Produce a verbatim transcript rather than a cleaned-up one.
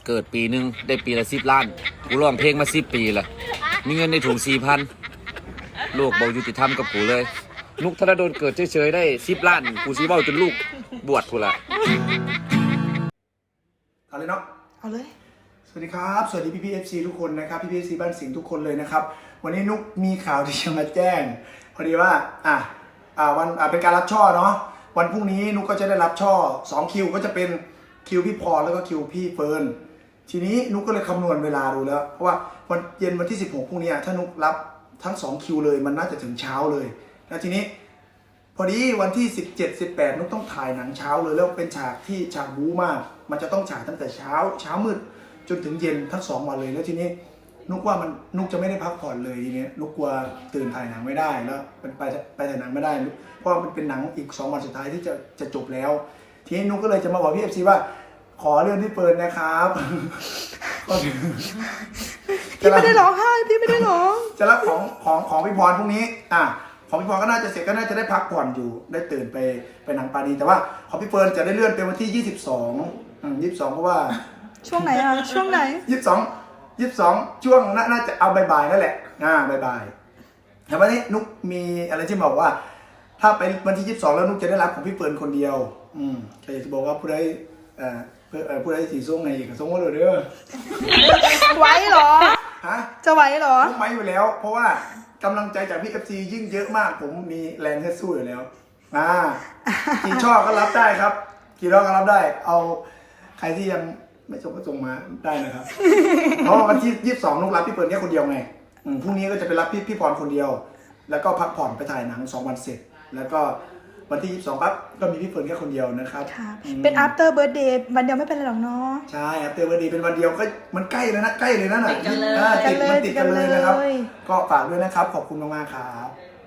เกิดปีหนึ่งได้ปีละสิบล้านกูร้องเพลงมาสิบปีละมีเงินในถุงสี่พันโลกบอกยุติธรรมกับกูเลยนุกธนดลเกิดเฉยๆได้สิบล้านกูซีเบ้าจนลูกบวชกูละเอาเลยเนาะเอาเลยสวัสดีครับสวัสดีพี่พีเอฟซีทุกคนนะครับพี่พีเอฟซีบ้านสิงห์ทุกคนเลยนะครับวันนี้นุกมีข่าวที่จะมาแจ้งพอดีว่าอ่ะอ่าวันอ่าเป็นการรับช่อเนาะวันพรุ่งนี้นุกก็จะได้รับช่อสองคิวก็จะเป็นคิวพี่พรแล้วก็คิวพี่เฟิร์นทีนี้นุกก็เลยคำนวณเวลาดูแล้วเพราะว่าวันเย็นวันที่สิบหกพรุ่งนี้ถ้านุกรับทั้งสองคิวเลยมันน่าจะถึงเช้าเลยแล้วทีนี้พอดีวันที่สิบเจ็ด สิบแปดนุกต้องถ่ายหนังเช้าเลยแล้วเป็นฉากที่ฉากบู๊มากมันจะต้องฉายตั้งแต่เช้าเช้ามืดจนถึงเย็นทั้งสองวันเลยแล้วทีนี้นุกว่ามันนุกจะไม่ได้พักผ่อนเลยทีนี้นุกกลัวตื่นถ่ายหนังไม่ได้แล้วเป็นไปไปถ่ายหนังไม่ได้เพราะมันเป็นหนังอีกสองวันสุดท้ายที่จะจะจบแล้วทีนี้นุกก็เลยจะมาบอกพี่เอฟซีว่าขอเลื่อนที่เปิดนะครับพี่ไม่ได้ร้องไห้พี่ไม่ได้ร้องจะรับของของของพี่พรพรุ่งนี้อ่ะของพี่พรก็น่าจะเสร็จก็น่าจะได้พักผ่อนอยู่ได้ตื่นไปไปหนังปานีแต่ว่าของพี่เฟิร์นจะได้เลื่อนเป็นวันที่ยี่สิบสองอืมยี่สิบสองเพราะว่าช่วงไหนอ่ะช่วงไหนยี่สิบสองยี่สิบสองช่วงน่าจะเอาบ่ายๆนั่นแหละอ่าบ่ายๆแต่วันนี้นุกมีอะไรที่บอกว่าถ้าไปวันที่ยี่สิบสองแล้วนุกจะได้รับของพี่เฟิร์นคนเดียวอืมก็อยากจะบอกว่าผู้ใดเอ่อผู้ใดสีส้มในอีกส้มว่าเลยเด้อไหวเหรอฮะจะไหวเหรอไหวอยู่แล้วเพราะว่ากำลังใจจากพี่เอฟซียิ่งเยอะมากผมมีแรงให้สู้อยู่แล้วอ่ากี่ช่อก็รับได้ครับกี่รอบก็รับได้เอาใครที่ยังไม่ส่งก็ส่งมาได้นะครับเพราะวันที่ยี่สิบสองนุกรับพี่เปิดแค่คนเดียวไงพรุ่งนี้ก็จะไปรับพี่พี่พรคนเดียวแล้วก็พักผ่อนไปถ่ายหนังสองวันเสร็จแล้วก็วันที่ยี่สิบสองปั๊บก็มีพี่เฟิร์นแค่คนเดียวนะครับเป็น after birthday วันเดียวไม่เป็นไรหรอกเนาะใช่ after birthday เป็นวันเดียวก็มันใกล้เลยนะใกล้เลยนะน่ะติดมันติดกันเลยนะครับก็ฝากด้วยนะครับขอบคุณมากๆครับ